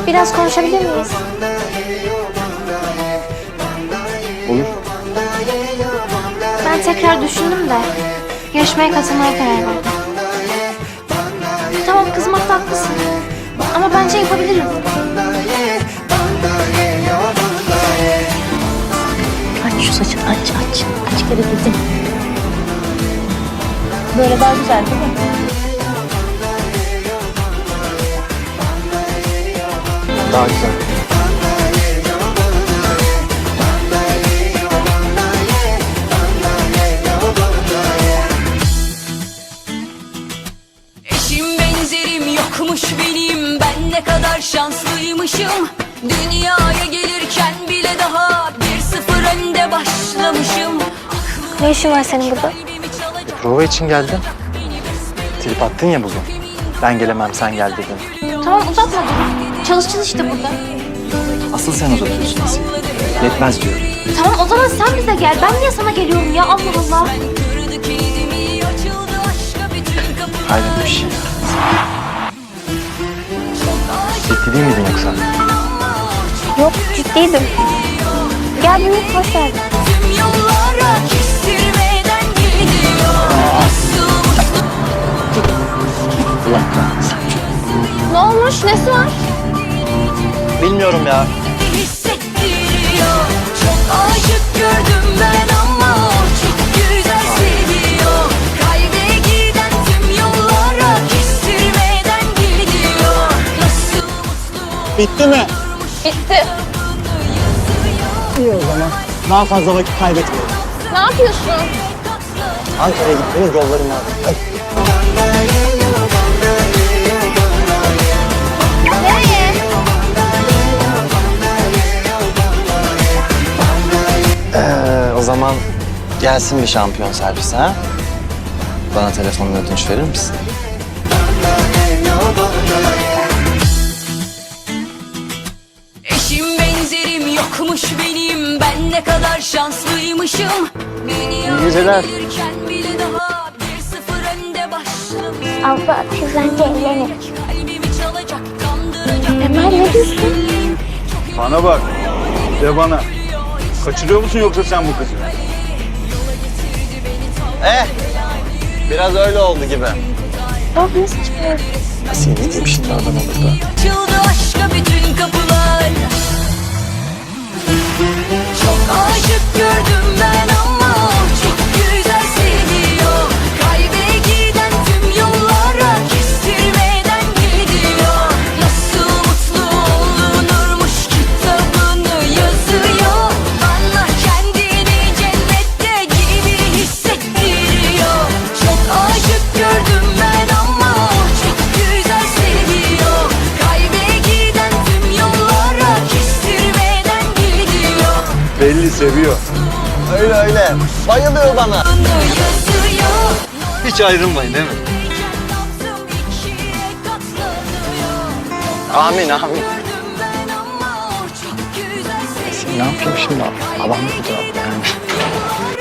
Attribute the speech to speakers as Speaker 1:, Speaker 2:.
Speaker 1: Biraz konuşabilir miyiz?
Speaker 2: Olur.
Speaker 1: Ben tekrar düşündüm de yarışmaya katılmaya karar verdim. Tamam, kızmakta haklısın. Ama bence yapabilirim.
Speaker 3: Aç şu saçını, aç. Aç kere dedim. Böyle daha güzel değil mi?
Speaker 2: Daha güzel.
Speaker 4: Eşim benzerim yokmuş benim, ben ne kadar şanslıymışım. Dünyaya gelirken bile daha 1-0 önde başlamışım.
Speaker 1: Ne işin var senin burada?
Speaker 2: Prova için geldim. Trip attın ya bugün. Ben gelemem, sen gel dedin.
Speaker 1: Tamam, uzatma dur. Çalış işte burada.
Speaker 2: Asıl sen uzatıyorsun Asiye. Yetmez diyorum.
Speaker 1: Tamam, o zaman sen bize gel. Ben niye sana geliyorum ya? Allah Allah.
Speaker 2: Hayret bir şey. Ciddi değil miydin yoksa?
Speaker 1: Yok, ciddiydim. Gel büyük, hoş geldin.
Speaker 4: Tüm yollara kestirmeden gidiyor.
Speaker 2: Allah kahretsin.
Speaker 1: Ne olmuş? Nesi var?
Speaker 2: Bilmiyorum ya.
Speaker 4: Hissettiriyor. Çok aşık gördüm ben ama o çok güzel seviyor. Kalbe giden tüm yollara kestirmeden gidiyor. Nasıl mutlu
Speaker 5: Bitti mi?
Speaker 1: Bitti.
Speaker 5: İyi o zaman. Daha fazla vakit kaybetmeyelim.
Speaker 1: Ne yapıyorsun?
Speaker 5: Ankara'ya gitmenin yolları var. Hadi.
Speaker 1: Nereye?
Speaker 2: O zaman gelsin bir şampiyon servisi ha? Bana telefonla ödünç verir misin?
Speaker 4: eşim benzerim yokmuş benim, ben ne kadar şanslıymışım. Dünyaya
Speaker 2: geceler.
Speaker 4: gelirken bile daha 1-0 önde başlamışım.
Speaker 1: Abla, teyzen geleni.
Speaker 4: Kalbimi çalacak, kandıracak.
Speaker 1: Emel, ne diyorsun?
Speaker 6: Bana bak. De bana. Kaçırıyor musun yoksa sen bu kızı?
Speaker 2: Biraz öyle oldu gibi.
Speaker 1: Bak, ne saçmalıyorsun?
Speaker 2: Asiye ne diyeyim şimdi adama burada?
Speaker 4: Açıldı aşka bütün kapılar. Çok aşık gördüm ben ama o çok güzel seviyor. Kalbe giden tüm yollara kestirmeden gidiyor. Nasıl mutlu olunurmuş kitabını yazıyor. Bana kendini cennette gibi hissettiriyor. Çok aşık gördüm ben ama o çok güzel seviyor. Kalbe giden tüm yollara kestirmeden gidiyor.
Speaker 6: Belli seviyor.
Speaker 2: Öyle öyle. Bayılıyor bana.
Speaker 4: Yazıyor.
Speaker 6: Hiç ayrılmayın değil mi?
Speaker 2: Amin amin. Ne yapayım şimdi? Babam burada yani.